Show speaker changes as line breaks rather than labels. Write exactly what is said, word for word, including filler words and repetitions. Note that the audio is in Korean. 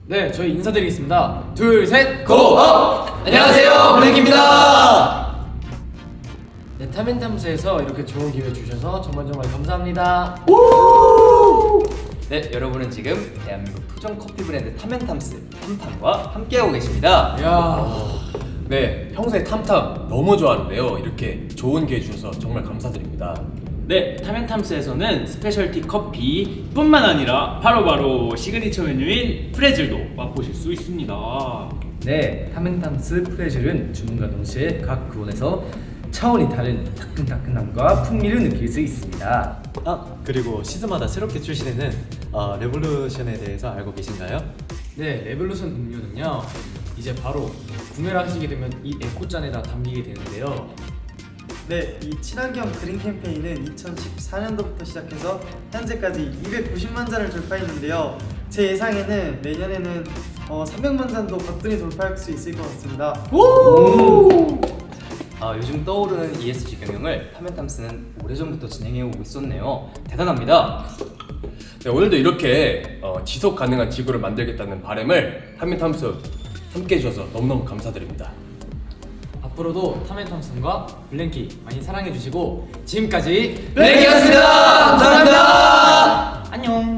네, 저희 인사드리겠습니다. 둘, 셋,
고업! 안녕하세요, 블랙입니다.
네, 탐앤탐스에서 이렇게 좋은 기회 주셔서 정말 정말 감사합니다.
네, 여러분은 지금 대한민국 토종 커피 브랜드 탐앤탐스 탐탐과 함께하고 계십니다.
야,
네, 평소에 탐탐 너무 좋아하는데요. 이렇게 좋은 기회 주셔서 정말 감사드립니다.
네, 탐앤탐스에서는 스페셜티 커피뿐만 아니라 바로바로 시그니처 메뉴인 프레즐도 맛보실 수 있습니다.
네, 탐앤탐스 프레즐은 주문과 동시에 각 구원에서 차원이 다른 따끈따끈함과 풍미를 느낄 수 있습니다.
아, 그리고 시즌마다 새롭게 출시되는 어, 레볼루션에 대해서 알고 계신가요?
네, 레볼루션 음료는요, 이제 바로 구매를 하시게 되면 이 에코잔에다 담기게 되는데요.
네, 이 친환경 그린 캠페인은 이천십사 년도부터 시작해서 현재까지 이백구십만 잔을 돌파했는데요. 제 예상에는 내년에는 어, 삼백만 잔도 거뜬히 돌파할 수 있을 것 같습니다.
아, 요즘 떠오르는 이에스지 경영을 탐앤탐스는 오래전부터 진행해오고 있었네요. 대단합니다.
네, 오늘도 이렇게 어, 지속 가능한 지구를 만들겠다는 바람을 탐앤탐스 함께 해주셔서 너무너무 감사드립니다.
앞으로도 탐앤탐슨과 블랭키 많이 사랑해주시고 지금까지
블랙이었습니다. 감사합니다.
안녕.